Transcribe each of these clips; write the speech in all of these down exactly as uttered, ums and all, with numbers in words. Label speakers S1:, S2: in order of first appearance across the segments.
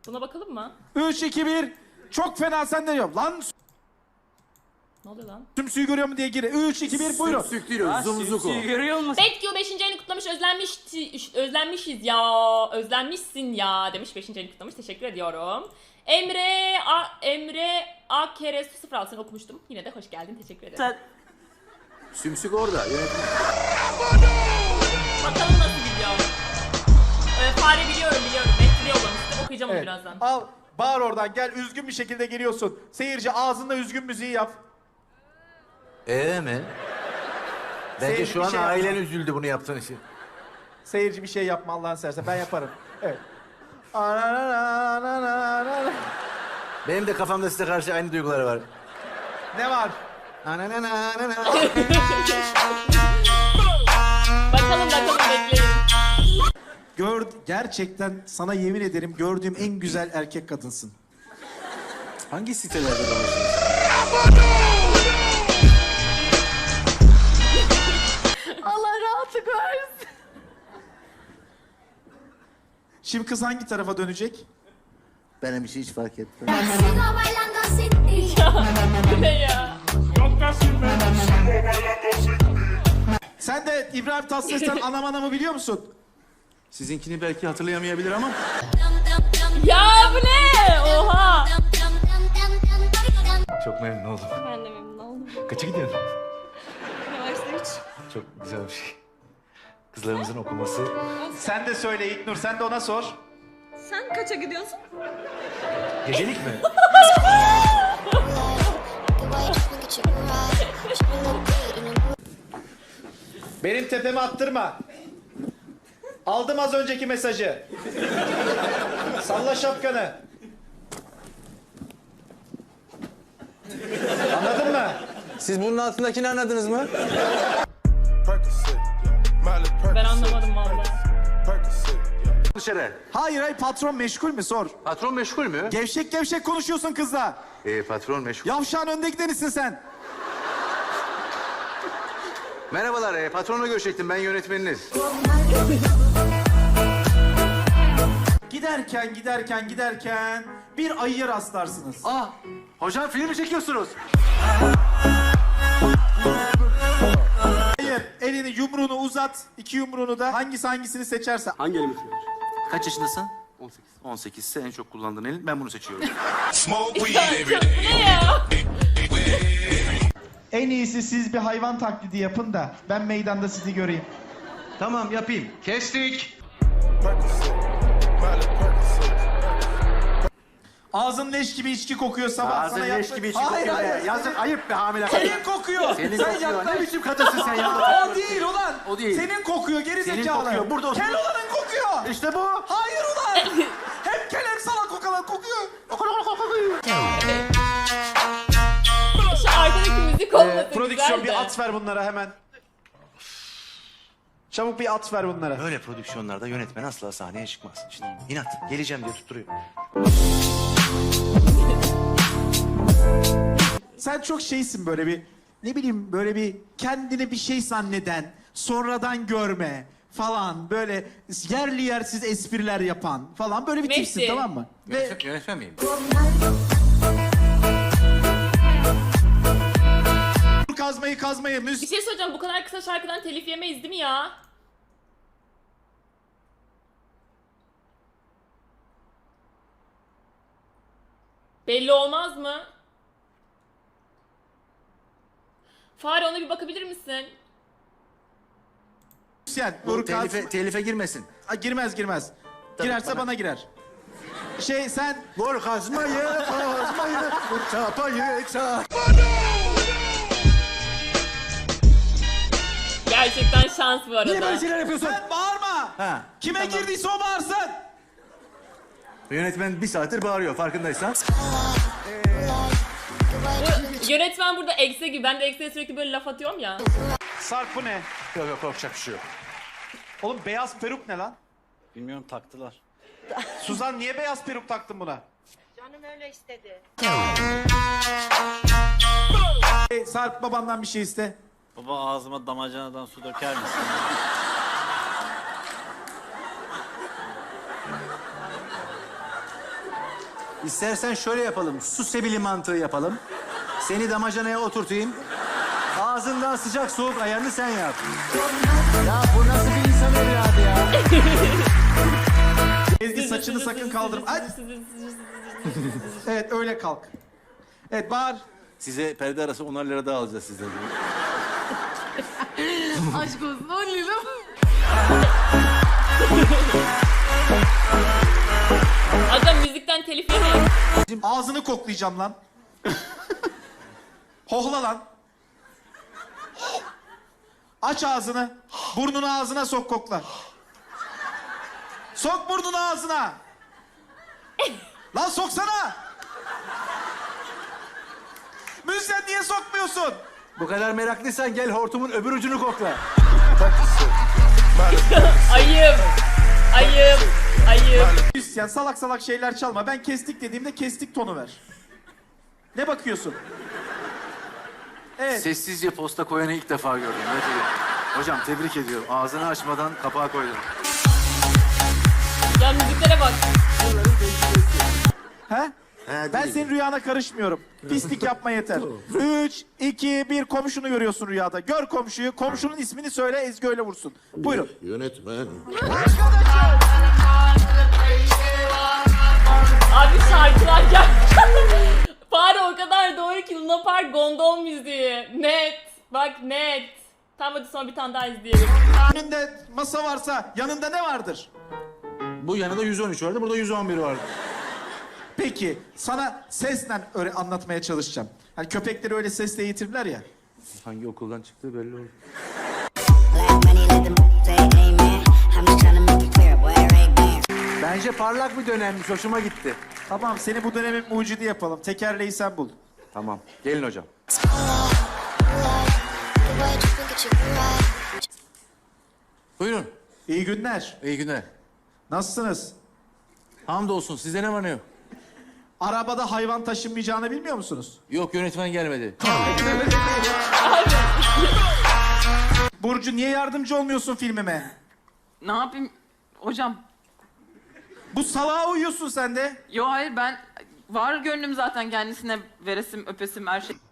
S1: Buna bakalım mı?
S2: üç, iki, bir. Çok fena sen de yok. Lan
S1: Ne oluyor lan?
S2: sümsüğü görüyor mu diye gir. üç, iki, bir buyurun.
S3: Sük değil o, zumzuku.
S4: Görüyor musun?
S1: Betgü beşinci ayını kutlamış, özlenmiş, özlenmişiz ya, özlenmişsin ya demiş, beşinci ayını kutlamış, teşekkür ediyorum. Emre, A, Emre A kere sıfır altını okumuştum, yine de hoş geldin, teşekkür ederim.
S4: Sen...
S3: Sümsük orada. Yönetmen.
S1: Bakalım nasıl gidiyor. Ee, fare biliyorum biliyorum, Betgü yollamıştım, okuyacağım onu
S2: Evet.
S1: birazdan.
S2: Al bağır oradan gel, üzgün bir şekilde geliyorsun. Seyirci ağzında üzgün müziği yap.
S3: Ee mi? Bence
S2: Seyirci
S3: şu
S2: bir
S3: an
S2: şey
S3: ailen
S2: yapma.
S3: üzüldü bunu yaptığın için.
S2: Seyirci bir şey yapma Allah'ın seversen, ben yaparım. Evet. Anananananana.
S3: Benim de kafamda size karşı aynı duygular var.
S2: Ne var?
S3: Ananananana.
S1: Bakalım bakalım, bekleyin.
S2: Gör, gerçekten sana yemin ederim gördüğüm en güzel erkek kadınsın.
S3: Hangi sitelerde dolaşıyorsun?
S1: Allah rahatlık versin.
S2: Şimdi kız hangi tarafa dönecek?
S3: Benim için hiç fark etmez.
S1: Bu ne ya?
S2: Sen de İbrahim Tatlıses'ten anam anamı biliyor musun?
S3: Sizinkini belki hatırlayamayabilir ama.
S1: Ya bu ne? Oha.
S3: Çok memnun oldum.
S5: Ben de memnun oldum.
S3: Kaça gidiyorsun?
S5: Üniversite üç.
S3: Çok güzel bir şey. Kızlarımızın okuması.
S2: Sen de söyle İlknur, sen de ona sor.
S5: Sen kaça gidiyorsun?
S3: Gecelik mi?
S2: Benim tepeme attırma. Aldım az önceki mesajı. Salla şapkanı. Anladın mı?
S3: Siz bunun altındakini anladınız mı?
S1: Ben anlamadım vallahi.
S3: Dışarı.
S2: Hayır hayır, patron meşgul mü sor.
S3: Patron meşgul mü?
S2: Gevşek gevşek konuşuyorsun kızla.
S3: Ee, patron meşgul.
S2: Yavşağın önde gidenisin sen.
S3: Merhabalar, e, patronla görüşecektim. Ben yönetmeniniz.
S2: Giderken giderken giderken bir ayıya rastlarsınız.
S3: Ah, hocam film mi çekiyorsunuz?
S2: Hayır, elini yumruğunu uzat, iki yumruğunu da hangisi hangisini seçerse.
S4: Hangi elimi seviyorsun?
S3: Kaç yaşındasın? on sekiz. on sekiz ise en çok kullandığın elin. Ben bunu seçiyorum.
S1: Bu ne ya?
S2: En iyisi siz bir hayvan taklidi yapın da ben meydanda sizi göreyim.
S3: Tamam, yapayım. Kestik.
S2: Ağzın leş gibi içki kokuyor sabah.
S3: Ağzın
S2: sana
S3: leş
S2: yaptı-
S3: gibi içi
S2: Hayır,
S3: kokuyor
S2: hayır,
S3: be.
S2: hayır.
S3: Yazık, ayıp be hamile.
S2: Senin kokuyor.
S3: Senin
S2: sen
S3: kokuyor.
S2: yaklaş.
S3: Ne biçim kadınsın sen ya?
S2: O değil ulan.
S3: O değil.
S2: Senin kokuyor geri
S3: Senin
S2: zekalı.
S3: kokuyor, burada otur.
S2: Kel olanın kokuyor.
S3: İşte bu.
S2: Hayır ulan. Hep kel hep salak kokalan kokuyor.
S1: Şu arkadaki müzik olması
S2: Ee, prodüksiyon
S1: güzeldi.
S2: bir at ver bunlara hemen. Çabuk bir at ver bunlara.
S3: Böyle prodüksiyonlarda yönetmen asla sahneye çıkmaz. Şimdi inat, geleceğim diye tutturuyor.
S2: Sen çok şeysin böyle bir, ne bileyim böyle bir kendini bir şey zanneden, sonradan görme falan, böyle yerli yersiz espriler yapan falan böyle bir
S1: Messi.
S2: tipsin, tamam mı? Ve
S3: Yönetmen, yönetmen miyim?
S2: kazmayı kazmayı
S1: Bir
S2: müzik.
S1: şey söyleyeceğim, bu kadar kısa şarkıdan telif yemeyiz değil mi ya? Belli olmaz mı? Fare, ona bir bakabilir misin?
S2: Yani, dur kaz...
S3: Telife, telife girmesin.
S2: Aa, girmez girmez. Girerse bana...
S3: bana-
S2: girer. Şey sen
S3: Vur kazmayı, kazmayı, vur çapayı, çap.
S1: Gerçekten şans bu arada.
S3: Niye böyle şeyler yapıyorsun?
S2: sen bağırma.
S3: Ha.
S2: Kime
S3: tamam.
S2: girdiyse o bağırsın.
S3: Yönetmen bir saattir bağırıyor farkındaysan.
S1: Bu yönetmen burada ekse gibi. Ben de ekseye sürekli böyle laf atıyorum ya.
S2: Sarp bu ne?
S3: Yok yok korkacak bir şey yok.
S2: Oğlum beyaz peruk ne lan?
S4: Bilmiyorum, taktılar.
S2: Suzan niye beyaz peruk taktın buna?
S5: Canım öyle istedi.
S2: Hey, Sarp babandan bir şey iste.
S4: Baba, ağzıma damacanadan su döker misin?
S6: İstersen şöyle yapalım. Su sebili mantığı yapalım. Seni damacanaya oturtayım. Ağzından sıcak soğuk ayarını sen yap. Ya bu nasıl bir insan evladı ya?
S2: Ezgi saçını sakın kaldırma. Ay! Evet öyle kalk. Evet bağır.
S6: Size perde arası onar lira daha alacağız sizden.
S7: Aşk olsun on lira.
S1: Adam müzikten telif yemeyin.
S2: Ağzını koklayacağım lan. Hohla lan. Aç ağzını. Burnunu ağzına sok kokla. Sok burnunu ağzına. Lan soksana. Müzden niye sokmuyorsun?
S6: Bu kadar meraklıysan gel hortumun öbür ucunu kokla.
S1: Ayıp. Ayıp. Ayıp.
S2: Müzisyen salak salak şeyler çalma. Ben kestik dediğimde kestik tonu ver. Ne bakıyorsun? Evet.
S6: Sessizce posta koyanı ilk defa gördüm. Ne diyeyim? Hocam tebrik ediyorum. Ağzını açmadan kapağı koydun.
S1: Ya müziklere bak.
S2: He? Ben senin rüyana karışmıyorum. Pislik yapma yeter. Üç, iki, bir komşunu görüyorsun rüyada. Gör komşuyu. Komşunun ismini söyle Ezgi öyle vursun. Buyurun.
S8: Yönetmen.
S1: Abi şarkılar gel. Fare o kadar doğru ki Luna Park gondol müziği. Net. Bak net. Tamam hadi sonra bir tane daha izleyelim.
S2: Önünde masa varsa yanında ne vardır?
S6: Bu yanında yüz on üç vardı, burada yüz on bir vardı.
S2: Peki sana sesle öyle anlatmaya çalışacağım. Hani köpekleri öyle sesle eğitirler ya.
S6: Hangi okuldan çıktığı belli oldu.
S9: Black money, let them say amen. I'm just trying to make it clear, boy, right there.
S6: Bence parlak bir dönemmiş, hoşuma gitti.
S2: Tamam seni bu dönemin mucidi yapalım. Tekerleği sen bul.
S6: Tamam, gelin hocam. Buyurun,
S2: İyi günler.
S6: iyi günler.
S2: Nasılsınız?
S6: Hamdolsun, sizde ne var ne yok?
S2: Arabada hayvan taşınmayacağını bilmiyor musunuz?
S6: Yok, yönetmen gelmedi.
S2: Burcu niye yardımcı olmuyorsun filmime?
S7: Ne yapayım hocam?
S2: Bu salağa uyuyorsun sen de.
S7: Yo hayır ben var gönlüm zaten kendisine veresim öpesim her şey.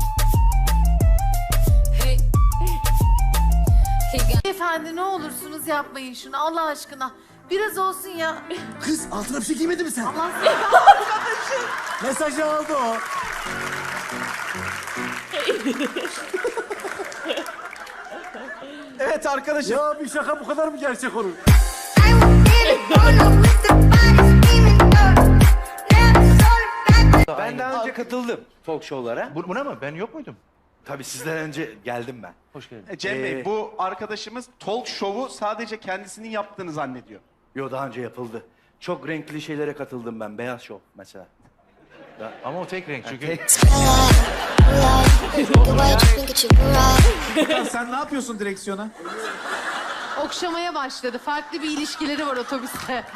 S10: Efendi ne olursunuz yapmayın şunu Allah aşkına. Biraz olsun ya.
S8: Kız altına bir şey giymedin mi sen?
S10: Allah seni
S6: Mesajı aldı o.
S2: Evet arkadaşım.
S6: Ya bir şaka bu kadar mı gerçek olur?
S3: Ben daha önce katıldım talk show'lara. Bu, buna mı? Ben yok muydum? Tabii sizden önce geldim ben. Hoş geldin.
S2: E, Cem Bey, bu arkadaşımız talk show'u sadece kendisinin yaptığını zannediyor.
S3: Yo daha önce yapıldı. Çok renkli şeylere katıldım ben. Beyaz şov mesela. Ya, ama o tek renk çünkü.
S2: Ya sen ne yapıyorsun direksiyona?
S10: okşamaya başladı. Farklı bir ilişkileri var otobüste.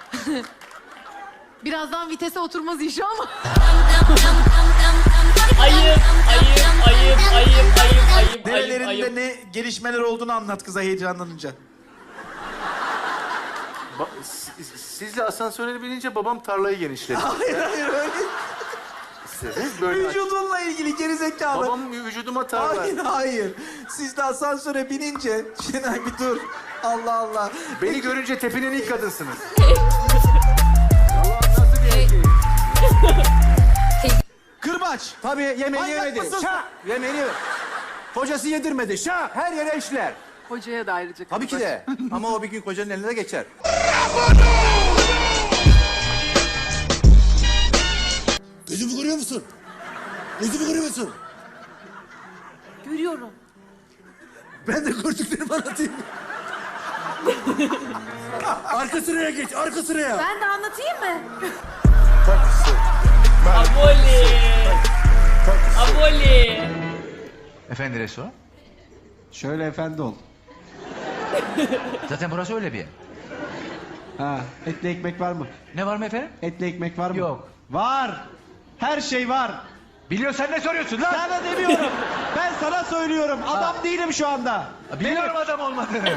S10: Birazdan vitese oturmaz iş ama.
S1: Ayıp, ayıp, ayıp, ayıp, ayıp, ayıp,
S2: Nerelerinde
S1: ayıp, ayıp.
S2: ne gelişmeler olduğunu anlat kıza heyecanlanınca.
S6: Ba- siz- Sizle asansöre binince babam tarlayı genişledi.
S2: Hayır hayır öyle.
S6: Siz böyle aç-
S2: Vücudunla ilgili gerizekalı.
S6: Babam vücuduma tarla.
S2: Hayır hayır. Siz de asansöre binince... Şenay bir dur. Allah Allah.
S6: Beni görünce tepinen ilk kadınsınız.
S2: Kırbaç.
S6: Tabii yemeğini
S2: Manyak
S6: yemedi.
S2: mısın?
S6: Şah! Yemeğini yemedi. Kocası yedirmedi. Şah! Her yere işler.
S7: Hocaya da ayrıca.
S6: Tabii ki de. Ama o bir gün kocanın eline de geçer.
S8: Gözümü görüyor musun? Gözümü görüyor musun?
S10: Görüyorum.
S8: Ben de gördüklerimi anlatayım. Arka sıraya geç, arka sıraya.
S10: Ben de anlatayım mı?
S1: Aboli. Aboli.
S3: Efendi restoran?
S2: Şöyle efendi ol.
S3: Zaten burası öyle bir yer.
S2: Ha, etli ekmek var mı?
S3: Ne var mı efendim?
S2: Etli ekmek var mı?
S3: Yok.
S2: Var. Her şey var.
S3: Biliyorsan ne soruyorsun lan?
S2: Sana demiyorum. Ben sana söylüyorum. Adam değilim şu anda.
S3: Biliyorum adam olmadığını.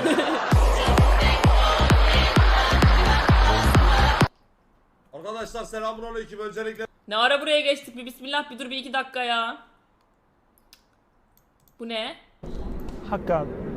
S8: Arkadaşlar selamünaleyküm öncelikle.
S1: Ne ara buraya geçtik bir bismillah bir dur bir iki dakika ya. Bu ne?
S11: Hakkı abi.